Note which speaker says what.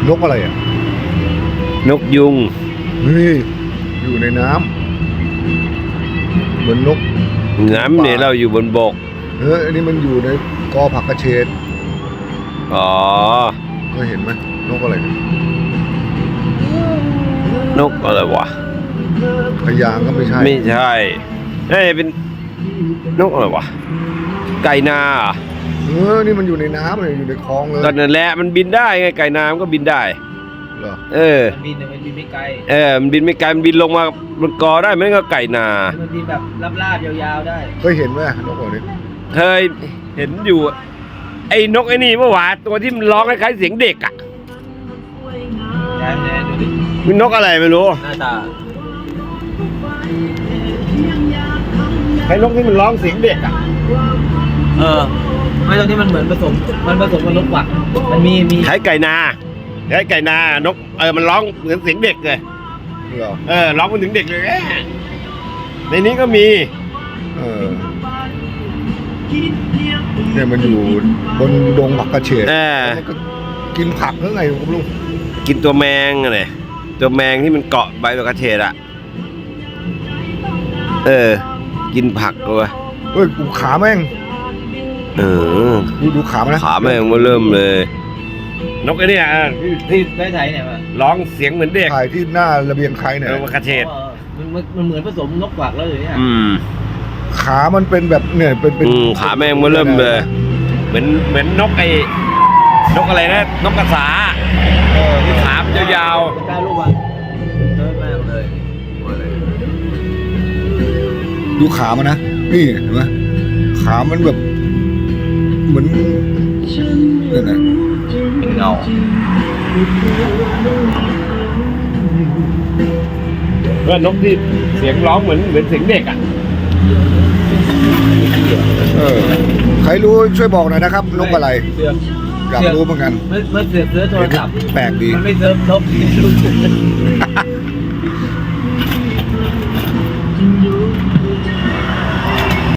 Speaker 1: นกอะไรอ่ะ
Speaker 2: นกยุง
Speaker 1: นี่อยู่ในน้ำเหมือนนก
Speaker 2: น้ำเนี่ยเราอยู่บนบก
Speaker 1: อันนี้มันอยู่ในกอผักกระเฉด
Speaker 2: อ๋อ
Speaker 1: ก็เห็นไหมนกอะไร
Speaker 2: นกอะไรวะ
Speaker 1: พยางก็ไม่ใช่
Speaker 2: ไม่ใช่น่าจะเป็นนกอะไรวะไก่นา
Speaker 1: นี่มันอยู่ในน้ำเลยอยู่ในคลองเลย
Speaker 2: ตอนนั้นแหละมันบินได้ไงไก่นามันก็บินได้
Speaker 1: เหรอ
Speaker 3: มันบินแต่มันบินไม่ไกล
Speaker 2: มันบินไม่ไกลมันบินลงมาบนกอได้ไม่ก็ไก่นา
Speaker 3: มันบินแบบลาบๆยาวๆได้
Speaker 1: เคยเห็นไหมนกตัวนี้
Speaker 2: เคยเห็นอยู่ไอ้นกไอ้นี่เมื่อวานตัวที่มันร้องคล้ายๆเสียงเด็กอ่ะ
Speaker 3: แน่ดูดิ
Speaker 2: มันนกอะไรไม่รู้
Speaker 3: หน้าตา
Speaker 2: ไอ้นกที่มันร้องเสียงเด็กอ่ะ
Speaker 3: ไม่ตรงที่มันเหมือนผสมกับนกหวักมันมี
Speaker 2: คล้ายไก่นาคล้ายไก่นานกมันร้องเหมือนเสียงเด็กเลยร้องเหมือนถึงเด็กเลยในนี้ก็มี
Speaker 1: เนี่ยมันอยู่บนดงผักกระเฉดมันก็กินผักหรือไงคุณลุง
Speaker 2: กินตัวแมงอะไรตัวแมงที่มันเกาะใบผักกระเฉดอ่ะกินผักด้วย
Speaker 1: เฮ้ยกูขาแม่งดูขามันนะ
Speaker 2: ขาแม่งมาเริ่มเลยนกไอ้นี่
Speaker 3: ที่ได้ไทยเนี่ย
Speaker 2: ร้องเสียงเหมือนเด็ก
Speaker 1: ถ่ายที่หน้าระเบียงใครเนี่ย
Speaker 2: ผักกระเฉด
Speaker 3: มันเหมือนผสมนกหวักแล้วเลยเนี่ย
Speaker 1: ขามันเป็นแบบเนี่ยเป็น
Speaker 2: ขาแม่งมาเริ่มเลยเหมือนนกนกอะไรนะนกกระสาที่ขามยาว
Speaker 3: ๆได้รูปอ่ะเยอะมากเลย
Speaker 1: ดูขามันนะนี่เห็นไหมขามันแบบเหมือนเนี่ยนะ
Speaker 3: เป็นเงา
Speaker 2: ว่านกที่เสียงร้องเหมือนเสียงเด็กอ่ะ
Speaker 1: ใครรู้ช่วยบอกหน่อยนะครับนกอะไรอยากรู้เหมือนกัน
Speaker 3: ไม่เสือโทรศัพท์
Speaker 1: แปลกดี
Speaker 3: มันไม่เซิร์ฟนก